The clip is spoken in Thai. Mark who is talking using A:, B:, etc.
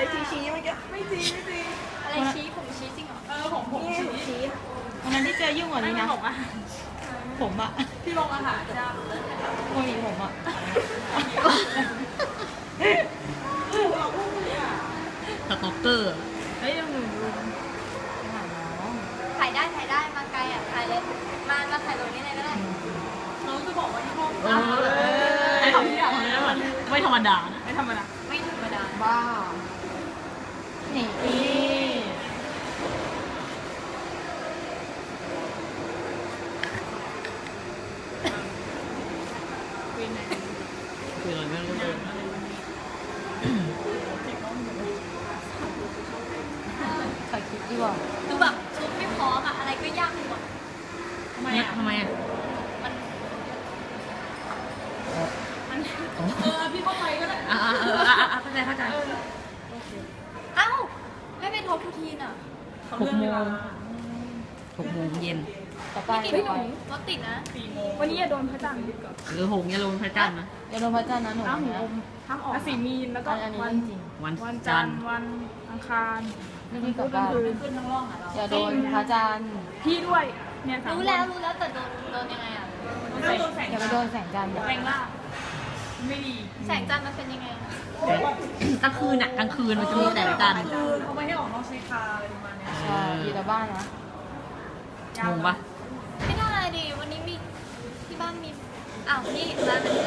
A: ชี้เมื่อกี้ไม่จริง
B: อะไรชี้ผมชี้จริงเหรอ
A: ผมชี้
C: วันนั้นที่เจอยุ่งกว่านี้นะผมอะ
A: ที่โรงอาหารจ้า
C: โอ้ยผมอะ
D: สต็อกเกอร์
C: เฮ้ยยังหนูดูหาน้อง
B: ถ่ายได้มาไกลอ่ะถ่ายเลยมาถ่ายตรงนี้เลยก็ได้
A: น้องจะบอกว่าที่ห้อง
D: ไม่ธรรมดาไม่ธรรมดานะ
A: ไม่ธรรมดา
B: ไม่ธรรมดา
C: บ้านี่
D: คืออะไรไม่รู้เลย
C: ใส่คลิปดีกว่า
B: ดูแบบชุดไม่พร้อมอะอะไรก็ยากไปหมด
D: ทำไมอ่ะ
B: มัน
A: พี่เข้าไปก็ได้
D: เข้าใจ
B: เอ้าไม่เป็นท็อปทูทีนอ่ะ
D: 6 โมงเย็น
C: ต่อไป
B: พี่
C: ต่
B: ห
C: อ
B: นู
C: ไป
B: รถติดนะ
A: วันนี้อย่าโดนพระจันทร์
D: หรือ6 เนี่ยลงพระจันทร์นะ
C: อย่าโดนพระจันทร์นะหนูนะ
A: ห้ามออกสีมีนแล้วก็
C: อันนี้
A: วัน
C: เรื่องจริง
D: วันจันทร์
A: วันอังคาร
C: นี่พี่กลับบ้าน
A: ขึ้นทั้งร่องอ่ะ
C: อย่าโดนพระจันทร์
A: พี่ด้วยเนี่ย
B: รู้แล้วแต่โดนยังไงอ่ะ
A: โดนแสง
C: อย่าไปโดนแสงจันทร์
A: แรงล่าไม่ดี
B: แสงจันทร์มันเป็นยังไงอะ
D: กลางคืนมันจะมีแสงจันทร์
A: คือเขาไม่ให้ออกนอกชายคาอะไรประมาณนี้
C: ใช่อยู่แต่บ้านนะ
D: งงปะ
B: ไม่ได้ดิวันนี้มีที่บ้านมีอ้าวนี่ร้าน